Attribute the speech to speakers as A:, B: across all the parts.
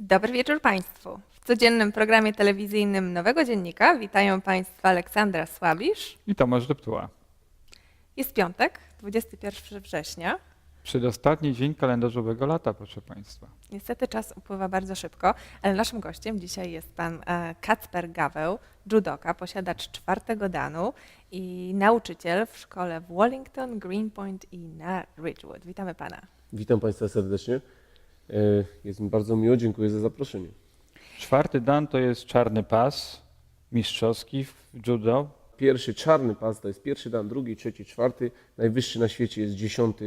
A: Dobry wieczór Państwu. W codziennym programie telewizyjnym Nowego Dziennika witają Państwa Aleksandra Słabisz.
B: I Tomasz Deptuła.
A: Jest piątek, 21 września.
B: Przedostatni dzień kalendarzowego lata, proszę Państwa.
A: Niestety czas upływa bardzo szybko, ale naszym gościem dzisiaj jest pan Kacper Gaweł, judoka, posiadacz 4. danu i nauczyciel w szkole w Wallington, Greenpoint i na Ridgewood. Witamy pana.
C: Witam Państwa serdecznie. Jest mi bardzo miło, dziękuję za zaproszenie.
B: 4. dan to jest czarny pas mistrzowski w judo.
C: Pierwszy czarny pas to jest pierwszy dan, drugi, trzeci, czwarty. Najwyższy na świecie jest 10.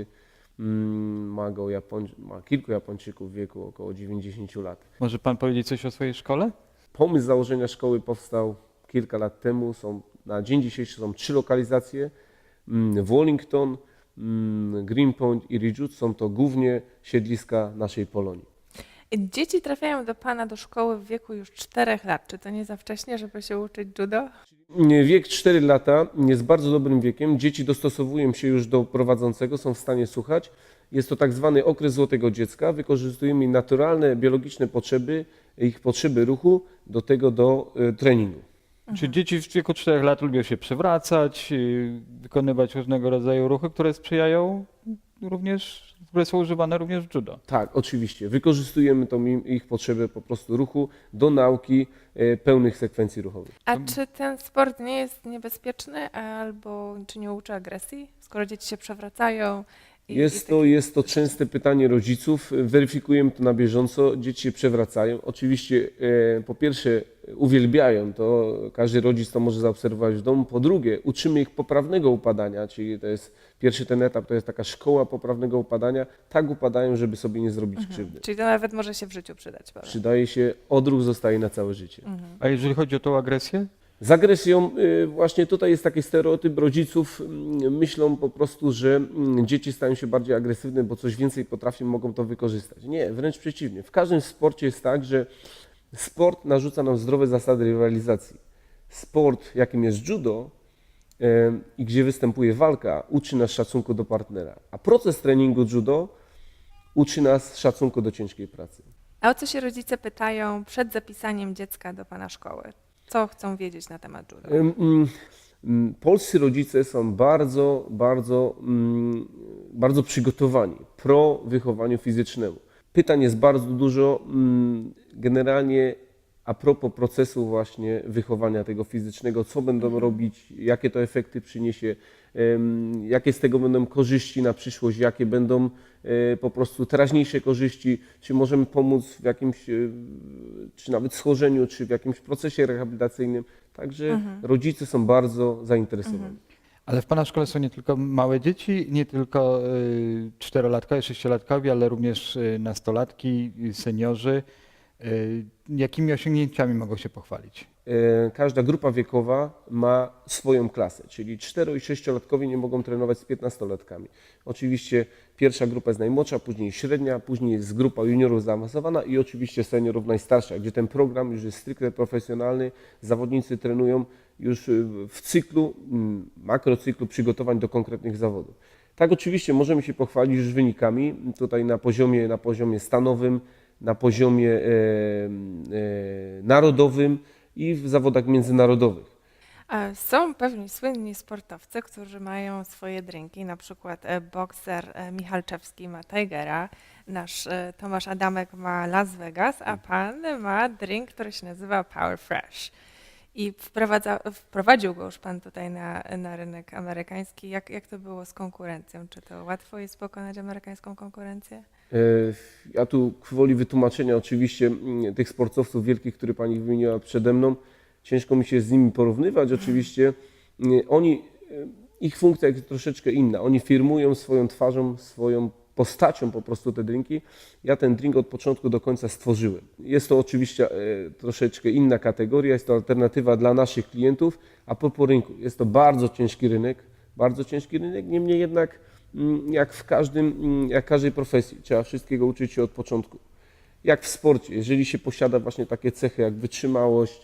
C: Ma kilku Japończyków w wieku około 90 lat.
B: Może Pan powiedzieć coś o swojej szkole?
C: Pomysł założenia szkoły powstał kilka lat temu. Na dzień dzisiejszy są 3 lokalizacje. Wallington, Greenpoint i Ridgewood są to głównie siedliska naszej Polonii.
A: Dzieci trafiają do pana do szkoły w wieku już 4 lat. Czy to nie za wcześnie, żeby się uczyć judo?
C: Wiek 4 lata jest bardzo dobrym wiekiem. Dzieci dostosowują się już do prowadzącego, są w stanie słuchać. Jest to tak zwany okres złotego dziecka. Wykorzystujemy naturalne, biologiczne potrzeby, ich potrzeby ruchu do treningu.
B: Czy dzieci w wieku 4 lat lubią się przewracać, wykonywać różnego rodzaju ruchy, które sprzyjają również, które są używane również w judo?
C: Tak, oczywiście. Wykorzystujemy ich potrzebę po prostu ruchu do nauki pełnych sekwencji ruchowych.
A: A czy ten sport nie jest niebezpieczny albo czy nie uczy agresji, skoro dzieci się przewracają?
C: Jest to częste pytanie rodziców. Weryfikujemy to na bieżąco. Dzieci się przewracają. Oczywiście po pierwsze uwielbiają to, każdy rodzic to może zaobserwować w domu. Po drugie uczymy ich poprawnego upadania, czyli to jest pierwszy ten etap, to jest taka szkoła poprawnego upadania. Tak upadają, żeby sobie nie zrobić krzywdy.
A: Czyli to nawet może się w życiu przydać. Prawda?
C: Przydaje się, odruch zostaje na całe życie.
B: A jeżeli chodzi o tą agresję?
C: Z agresją właśnie tutaj jest taki stereotyp rodziców, myślą po prostu, że dzieci stają się bardziej agresywne, bo coś więcej potrafią, mogą to wykorzystać. Nie, wręcz przeciwnie. W każdym sporcie jest tak, że sport narzuca nam zdrowe zasady rywalizacji. Sport, jakim jest judo i gdzie występuje walka, uczy nas szacunku do partnera, a proces treningu judo uczy nas szacunku do ciężkiej pracy.
A: A o co się rodzice pytają przed zapisaniem dziecka do pana szkoły? Co chcą wiedzieć na temat judo?
C: Polscy rodzice są bardzo przygotowani pro wychowaniu fizycznemu. Pytań jest bardzo dużo, generalnie a propos procesu właśnie wychowania tego fizycznego, co będą robić, jakie to efekty przyniesie, jakie z tego będą korzyści na przyszłość, jakie będą po prostu teraźniejsze korzyści, czy możemy pomóc w jakimś, czy nawet schorzeniu, czy w jakimś procesie rehabilitacyjnym. Także rodzice są bardzo zainteresowani.
B: Ale w Pana szkole są nie tylko małe dzieci, nie tylko 4-latkowie, 6-latkowie, ale również nastolatki, seniorzy. Jakimi osiągnięciami mogą się pochwalić?
C: Każda grupa wiekowa ma swoją klasę, czyli 4- i 6-latkowie nie mogą trenować z 15-latkami. Oczywiście pierwsza grupa jest najmłodsza, później średnia, później jest grupa juniorów zaawansowana i oczywiście seniorów najstarsza, gdzie ten program już jest stricte profesjonalny. Zawodnicy trenują już w cyklu, makrocyklu przygotowań do konkretnych zawodów. Tak, oczywiście możemy się pochwalić już wynikami tutaj na poziomie stanowym, na poziomie narodowym i w zawodach międzynarodowych.
A: Są pewni słynni sportowcy, którzy mają swoje drinki, na przykład bokser Michalczewski ma Tigera, nasz Tomasz Adamek ma Las Vegas, a pan ma drink, który się nazywa Power Fresh. I wprowadził go już pan tutaj na rynek amerykański. Jak to było z konkurencją? Czy to łatwo jest pokonać amerykańską konkurencję?
C: Ja tu gwoli wytłumaczenia oczywiście tych sportowców wielkich, które pani wymieniła przede mną, ciężko mi się z nimi porównywać. Oczywiście ich funkcja jest troszeczkę inna. Oni firmują swoją twarzą, swoją postacią po prostu te drinki. Ja ten drink od początku do końca stworzyłem. Jest to oczywiście troszeczkę inna kategoria, jest to alternatywa dla naszych klientów, a propos rynku. Jest to bardzo ciężki rynek, niemniej jednak jak w każdej profesji, trzeba wszystkiego uczyć się od początku. Jak w sporcie, jeżeli się posiada właśnie takie cechy jak wytrzymałość,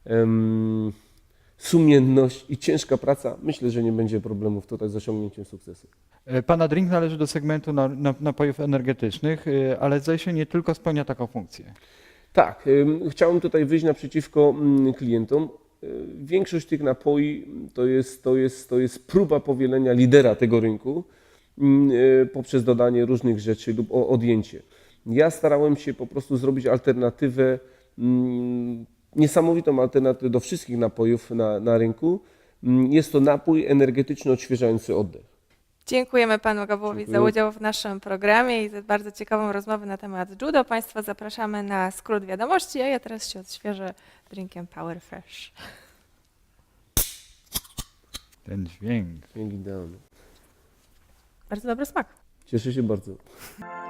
C: sumienność i ciężka praca, myślę, że nie będzie problemów tutaj z osiągnięciem sukcesu.
B: Pana drink należy do segmentu napojów energetycznych, ale zdaje się nie tylko spełnia taką funkcję.
C: Tak, chciałem tutaj wyjść naprzeciwko klientom. Większość tych napoi to jest próba powielenia lidera tego rynku poprzez dodanie różnych rzeczy lub odjęcie. Ja starałem się po prostu zrobić alternatywę, niesamowitą alternatywę do wszystkich napojów na rynku. Jest to napój energetyczny odświeżający oddech.
A: Dziękujemy panu Gawłowi za
C: Dziękuję.
A: udział w naszym programie i za bardzo ciekawą rozmowę na temat judo. Państwa zapraszamy na skrót wiadomości, a ja teraz się odświeżę drinkiem Power Fresh.
B: Ten dźwięk.
C: Idealny.
A: Bardzo dobry smak.
C: Cieszę się bardzo.